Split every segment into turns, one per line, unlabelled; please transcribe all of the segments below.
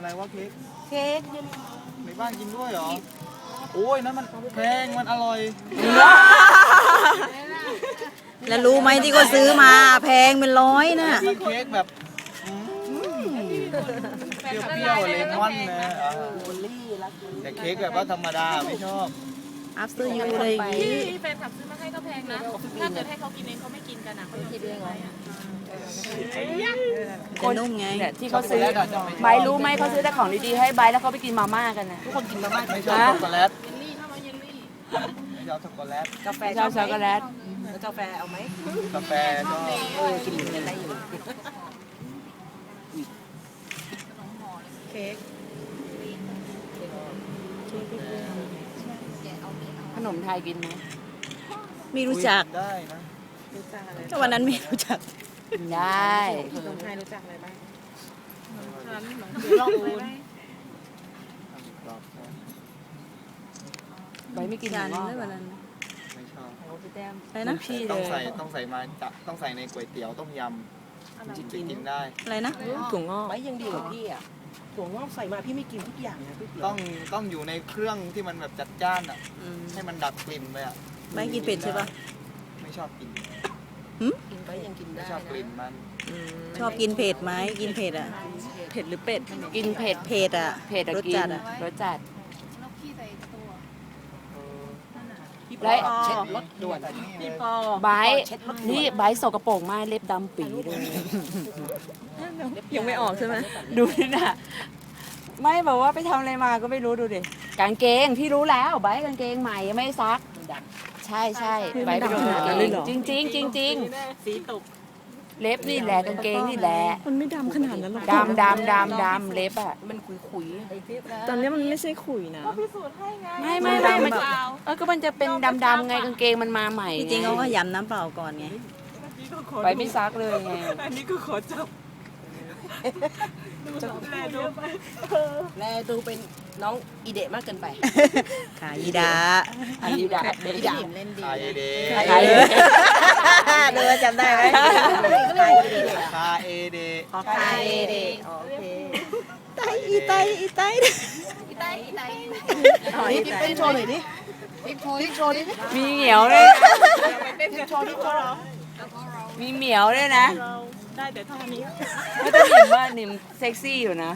อะไรวะเค้ก
เค้ก
ในบ้านกินด้วยเหรอโอ้ยนั่นมันแพงมันอร่อย
แล้วรู้ไหมที่เขาซื้อมาแพงเป็น100น่ะ
มันเค้กแบบเปรี้ยวๆเลมอนนะแต่เค้กแบบว่าธรรมดาไม่ชอบ
after you เลยอย่างงี้
ที่แฟนคลับซื้อมาให้ก็แพงนะ ถ้าเกิดให้เขากินเองเขาไม่กินกันอ่ะเขาคิดเองไง
จะนุ่มไง
เนี่ยที่เขาซื้อไบร์ทรู้ไหมเขาซื้อแต่ของดีๆให้ไบร์ทแล้วเขาไปกินมาม่ากันนะ
ทุกคนกินมาม่าไม่ชอบช็อกโกแลต
เยลลี่เข้ามาเยลลี่
ไม่ชอบช็อกโกแลต
กาแฟ
ชอบช็อกโกแลต
แล้วกาแฟเอาไหม
กาแฟชอบ
กินกันได้อยู่เค้ก
ขนมไทยกินไหม
ไม่รู้จัก
ได้นะ
รู้จักอะไร
ก็วันนั้นไม่รู้จัก
กินได้
ขนมไทยรู้จักอะไรบ้าง
ลองดู
ไบร์ทไม่กินห
จาน
มู
นึง
งอก
ได้วันนั้น
ไม่ชอบ
อะไรนะ
พี่เล
ต้อง
ย
ใส่ต้องใส่ในก๋วยเตี๋ยวต้มยำถึงจะกินได้
อะไรนะ
ถุงงอก
ไม่ยังดีกว่าพี่อ่ะถั่วงอกใส่มาพี่ไม่กินทุกอย่างนะพี่เตี๋ยว
ต้องอยู่ในเครื่องที่มันแบบจัดจ้านอ่ะ
อืม
ให้มันดับกลิ่นไปอ่ะ
ไม่กินเผ็ดใช่ปะ
ไม่ชอบกิน
กินไปยังกิน
ไม่
ได้
ชอบกลิ่นมัน
ชอบกินเผ็ดไหมกินเผ็ดอ่ะ
เผ็ดหรือเป็ด กินเผ็ด
เผ็ดอ่ะ
เผ็ดอะ
รส
กิ
จั
น
ดอ่ะ
รสจัด
แล้วพี่ใส่ตัว
พี่
และ
ปอเช็ดรถด่วน
พี่ปอ
ไบร์ทนี่ไบร์ทสกปรกมากเล็บดำปีเลย
ยังไม่ออกใช่ไหม
ดูนี่น่ะไม่แบบว่าไปทำอะไรมาก็ไม่รู้ดูดิกางเกงพี่รู้แล้วไบร์ทกางเกงใหม่ยังไม่ซัก ใช่ใช่ไบร์ทไปโดนกางเกงจริงจริงจริงจริง
สีตก
เล็บนี่แหละกางเกงนี่แหละ
มันไม่ดำขนาดนั้นหรอก
ดำเล็บอ่ะ
มันขุย
ตอนนี้มันไม่ใช่ขุยนะ
พิสูจน์ให้ไง
ไม่มันก็มันจะเป็นดำๆไงกางเกงมันมาใหม่
จริงๆเขาก็ยำน้ำเปล่าก่อนไง
ไปไม่ซักเลยไง
อันนี้ก็ขอจับ
แลดูเป็นน้องอีเดะมากเกินไป
ขายีดา
อันนี้ดา
อีดะเล่นดี
คาเอเด
ใคร
เดินจำได้ไหม
คาเอเด
คาเอเดะโอเค
ไตอีไตอีไต
อีไตอีไต
นี่เป็นโชว์หน่อยดิพี่โชว์ดิ
มีเหมียวด้วยนะ
พี่โชว์ดิโชว์เหรอ
มีเหมียวด้วยนะ
ได้แต่ท่านี้
ไม่ต้องหนิมว่าหนิมเซ็กซี่อยู่นะ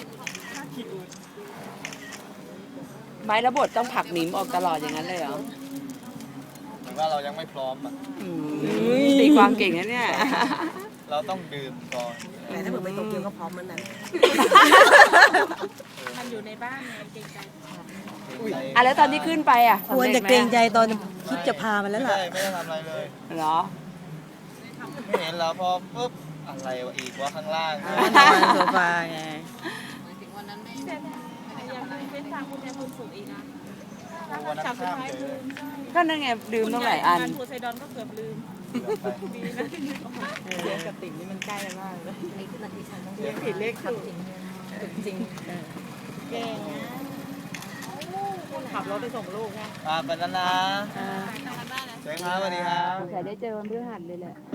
ไม้ระบทต้องผลักหนิมออกตลอดอย่างนั้นเลยเหรอ
หรือว่าเรายังไม่พร้อมอ่ะ
ตีความเก่งนะเนี่ย
เราต้องดื่มก่อน
แต่ถ้าเกิดไปโตเกียวก็พร้อมเหมือนนั้น
มันอยู่ในบ้านไงเกรงใจ
อ่ะแล้วตอนที่ขึ้นไปอ่ะ
ควรจะเกรงใจตอนคิดจะพามันแล้ว
ไม่
ล่ะ
ได้ไม่ได้ทำอะไรเลย
เหรอ
ไม่เห็นแล้วพอปุ๊บอะไรวะอีกว่าข้างล่าง
นอนโซฟาไง
อยากเป็นทางคุณแทนคุณสุขอีกนะ
วันนั้นข้ามเลย
ก็นั่นไงดื่มต้องหลายอัน
งานทัวร์ไซดอนก็เกือบลืม
เสียงกับติ่งนี่มันใกล้กันมากเลย
ผิดเลขถูก
จริงเก่งนะขับรถไปส่งลูกไง
ไปแล้วนะเจ๊ครับสวัสดีครับ
สงสัยได้เจอวันพฤหัสเลยแหละ